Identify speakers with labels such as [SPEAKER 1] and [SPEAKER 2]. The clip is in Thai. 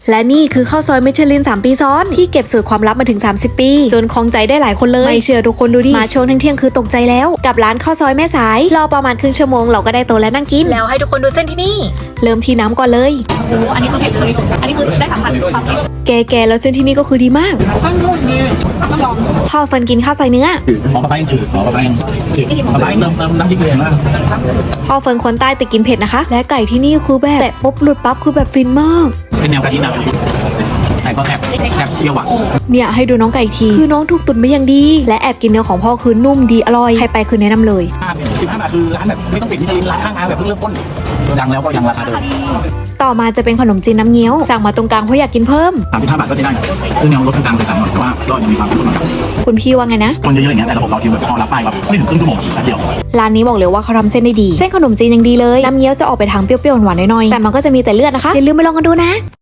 [SPEAKER 1] และนี่คือข้าวซอยมิชลิน3 ปีซ้อนที่เก็บสูตรความลับมาถึง30 ปีจนครองใจได้หลายคนเลยไม่เชื่อทุกคนดูดิมาช่วงเที่ยงคือตกใจแล้วกับร้านข้าวซอยแม่สายรอประมาณครึ่งชั่วโมงเราก็ได้โต๊ะและนั่งกินแล้วให้ทุกคนดูเส้นที่นี่เริ่มที่น้ำก่อนเลย
[SPEAKER 2] โอ้อันนี้คือเผ็ดเลยอันนี้คือได้สัมผัสความเผ็ด
[SPEAKER 1] แกแล้วเส้นที่นี่ก็คือดีมาก
[SPEAKER 2] ต้องลอง
[SPEAKER 1] พ่อเฟิร์นกินข้าวซอยเนื้อ
[SPEAKER 3] หอมปลายังจืดหอมปลายังจืดปลาเติมน้ำพริกเลยมาก
[SPEAKER 1] พ่อเฟิร์นคนใต้แต่กินเผ็ดนะคะและไก่ที่นี่คือแบบแตะปุ๊บหลุดปั๊บคือแบบฟินมาก
[SPEAKER 3] เป็นแนวกะทิหนักใส่ก็แทบเปรี้ยวหวาน
[SPEAKER 1] เนี่ยให้ดูน้องไก่ทีคือน้องถูกตุ๋นมาอย่างดีและแอบกินเนื้อของพ่อคือนุ่มดีอร่อยใครไปคือแนะนำเลย
[SPEAKER 3] 15 บาทคือร้านแบบไม่ต้องปิดมิชลินร้านข้างทางแบบเพิ่งเริ่มต้นดังแล้วก็ยังราคาเดิม
[SPEAKER 1] ต่อมาจะเป็นขนมจีนน้ำเงี้ยวสั่งมาตรงกลางเพราะอยากกินเพิ่ม
[SPEAKER 3] 35 บาทก็จะได้คือแนวรสกลางๆไปสั่งหน่อยแต่ว่าก็ยังมีความรุ่นกัน
[SPEAKER 1] คุณพี่ว่าไงนะ
[SPEAKER 3] คนเยอะๆอย่างเงี้ยแต่ระบบเราทีแบบพอรับไปแบบไม่ถึงครึ่งชั่วโมงแป๊บเดียว
[SPEAKER 1] ร้านนี้บอกเลยว่าเขาทำเส้นได้ดีเส้นขนมจีนยังดีเลยน้ำเงี้ยวจะออกไปทางเปรี้ยวๆหวานๆหน่อยๆแต่มันก็จะมีแต่เลือดนะคะอย่าลืมไปลองกันดูนะ